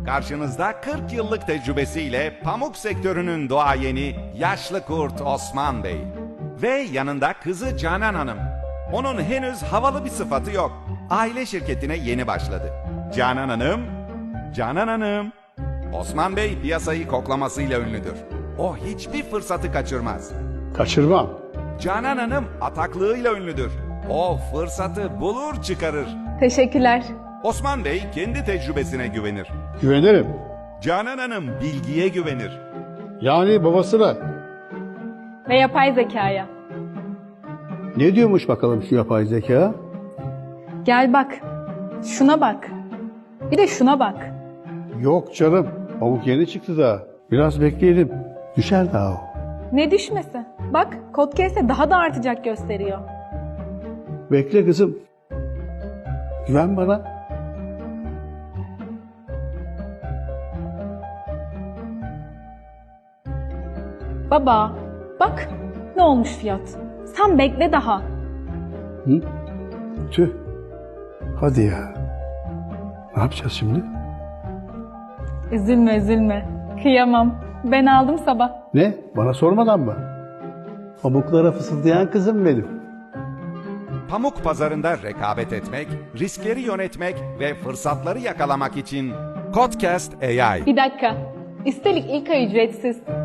Karşınızda 40 yıllık tecrübesiyle pamuk sektörünün duayeni yaşlı kurt Osman Bey. Ve yanında kızı Canan Hanım. Onun henüz havalı bir sıfatı yok. Aile şirketine yeni başladı. Canan Hanım. Osman Bey piyasayı koklamasıyla ünlüdür. O hiçbir fırsatı kaçırmaz. Kaçırmam. Canan Hanım ataklığıyla ünlüdür. O fırsatı bulur çıkarır. Teşekkürler. Osman Bey kendi tecrübesine güvenir. Güvenirim. Canan Hanım bilgiye güvenir. Yani babasına. Ve yapay zekaya. Ne diyormuş bakalım şu yapay zeka? Gel bak. Şuna bak. Bir de şuna bak. Yok canım. Pamuk yeni çıktı daha. Biraz bekleyelim. Düşer daha o. Ne düşmesi? Bak Codcase'de daha da artacak gösteriyor. Bekle kızım. Güven bana. Baba bak ne olmuş fiyat. Sen bekle daha. Hı? Tüh. Hadi ya. Ne yapacağız şimdi? Üzülme üzülme. Kıyamam. Ben aldım sabah. Ne? Bana sormadan mı? Pamuklara fısıldayan kızım benim. Pamuk pazarında rekabet etmek, riskleri yönetmek ve fırsatları yakalamak için Codcast AI. Bir dakika. Üstelik ilk ay ücretsiz.